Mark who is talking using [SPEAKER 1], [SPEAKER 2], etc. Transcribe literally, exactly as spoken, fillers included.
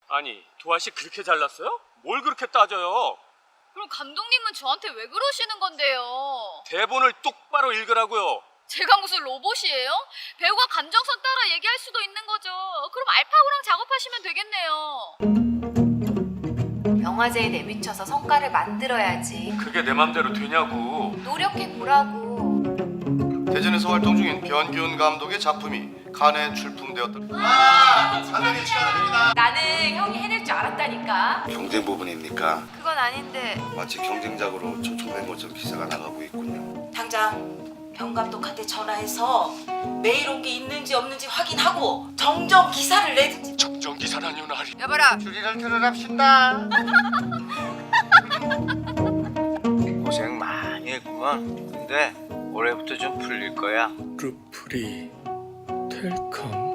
[SPEAKER 1] 아니, 도아 씨 그렇게 잘났어요? 뭘 그렇게 따져요?
[SPEAKER 2] 그럼 감독님은 저한테 왜 그러시는 건데요?
[SPEAKER 1] 대본을 똑바로 읽으라고요.
[SPEAKER 2] 제가 무슨 로봇이에요? 배우가 감정선 따라 얘기할 수도 있는 거죠. 그럼 알파고랑 작업하시면 되겠네요.
[SPEAKER 3] 영화제에 내비쳐서 성과를 만들어야지.
[SPEAKER 1] 그게 내 맘대로 되냐고.
[SPEAKER 3] 노력해보라고.
[SPEAKER 4] 대전에서 활동 중인 변기훈 감독의 작품이 칸에 출품되었다. 아! 상당히 축하드립니다.
[SPEAKER 3] 나는 형이 해낼 줄 알았다니까.
[SPEAKER 4] 경쟁 부분입니까?
[SPEAKER 3] 그건 아닌데.
[SPEAKER 4] 마치 경쟁작으로 초청된 것처럼 기사가 나가고 있군요.
[SPEAKER 5] 당장 병 감독한테 전화해서 메일 온 게 있는지 없는지 확인하고 정정 기사를 내든지.
[SPEAKER 1] 정정 기사라니요, 나리.
[SPEAKER 3] 여봐라.
[SPEAKER 4] 줄이를 틀어랍시다. 고생 많이 했구만. 근데 올해부터 좀 풀릴 거야.
[SPEAKER 1] 루프리 텔컴